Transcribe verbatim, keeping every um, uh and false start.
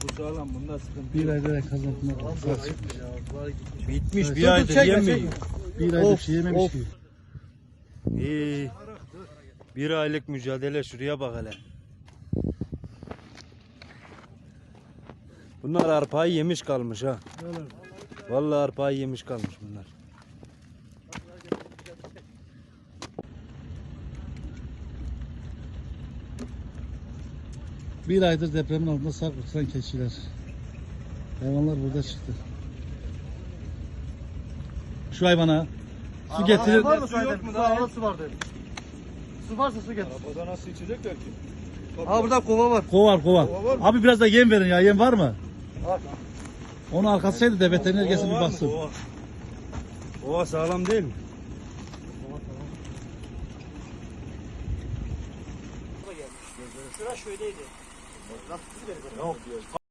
Bu sağlam, bunda sıkıntı Bir yok. ayda kazanmak. Bitmiş, Evet. bir aydır Çekme, yemiyor. çekme. Bir ayda Of, bir şey yememiş of. ki. İyi. Bir aylık mücadele, şuraya bak hele. Bunlar arpayı yemiş kalmış ha. Vallahi arpayı yemiş kalmış bunlar. Bir aydır depremin altında sağ kurtulan keçiler. Hayvanlar burada çıktı. Şu hayvana su getirir. Var mı Su yok zaten? mu Su daha? arada su var dedi. Su varsa su getir. Arabada nasıl içecekler ki? Ha burada kova var. Kovar kovar. Kova var mı? Abi biraz da yem verin ya. Yem var mı? Var. Onu arkasıydı da veteriner gelsin bir Ova var mı? baksın. Ova. Ova sağlam değil mi? Sıra şöyleydi.